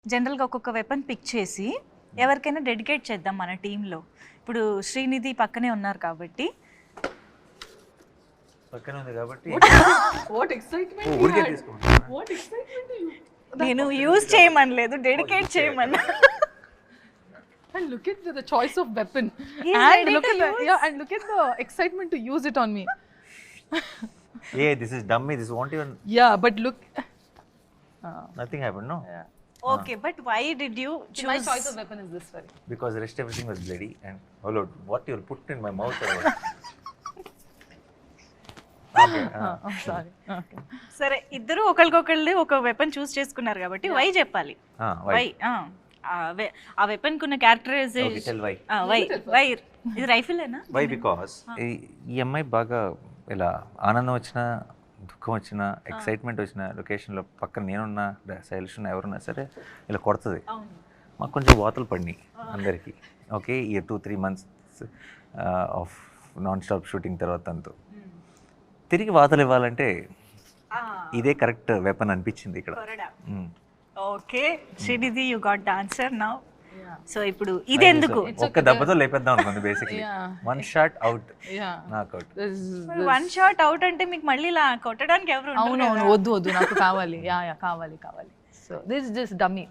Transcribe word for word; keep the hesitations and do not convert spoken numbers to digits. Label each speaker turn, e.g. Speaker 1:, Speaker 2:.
Speaker 1: జనరల్గా ఒక్కొక్క weapon pick చేసి ఎవరికైనా డెడికేట్ చేద్దాం మన టీంలో. ఇప్పుడు శ్రీనిధి పక్కనే ఉన్నారు కాబట్టి
Speaker 2: పక్కనే ఉంది కాబట్టి
Speaker 3: What excitement!
Speaker 2: ఓ,
Speaker 3: you
Speaker 2: ఊరికే
Speaker 3: had.
Speaker 2: తీసుకుంటా.
Speaker 3: What excitement you!
Speaker 1: నేను యూజ్ చేయమనలేదు, డెడికేట్ చేయమన్నా.
Speaker 3: And look at the, the choice of weapon.
Speaker 1: He is
Speaker 3: and
Speaker 1: ready
Speaker 3: look
Speaker 1: to
Speaker 3: at the
Speaker 1: use.
Speaker 3: yeah, and look at the excitement to use it on me.
Speaker 2: ఏ this is dummy, this want even
Speaker 3: Yeah, but look. Uh,
Speaker 2: nothing happen no
Speaker 3: yeah.
Speaker 1: Okay, but why did you
Speaker 3: My choice of weapon is this one.
Speaker 2: Because rest everything was bloody and hello what your put in my mouth.
Speaker 3: Uh, I'm sorry. Okay.
Speaker 1: సరే, ఇద్దరు ఒకరికొకళ్ళు ఒక weapon చూస్ చేసుకున్నారు కాబట్టి why చెప్పాలి. Why ఆ weapon కున్న characterisation
Speaker 2: why
Speaker 1: why why ఇది రైఫిలేనా?
Speaker 2: Why because ఈ అమ్మాయి బాగా ఇలా ఆనందం వచ్చినా దుఃఖం వచ్చినా ఎక్సైట్మెంట్ వచ్చిన లొకేషన్లో పక్కన నేనున్నా శైలిష్ ఉన్నా ఎవరున్నా సరే ఇలా కొడుతుంది. మాకు కొంచెం వాతలు పడినాయి అందరికీ. ఓకే, ఈ two three months of non stop shooting తర్వాత అంతా తిరిగి వాతలు ఇవ్వాలంటే ఇదే కరెక్ట్ వెపన్ అనిపించింది ఇక్కడ.
Speaker 1: Okay Srinidhi, you got the answer now. So ఇప్పుడు ఇది ఎందుకు
Speaker 2: ఒక్క దెబ్బతో లేపేద్దాం అనుకుంది basically.
Speaker 3: Yeah.
Speaker 2: One shot out,
Speaker 3: Yeah.
Speaker 2: Knock out.
Speaker 3: This is
Speaker 1: one shot out అంటే మీకు మళ్ళీ ఇలా కొట్టడానికి ఎవరు ఉండరు
Speaker 3: అవును
Speaker 1: కదా.
Speaker 3: అవును వద్దు వద్దు నాకు కావాలి. యా యా కావాలి కావాలి. So this just dummy.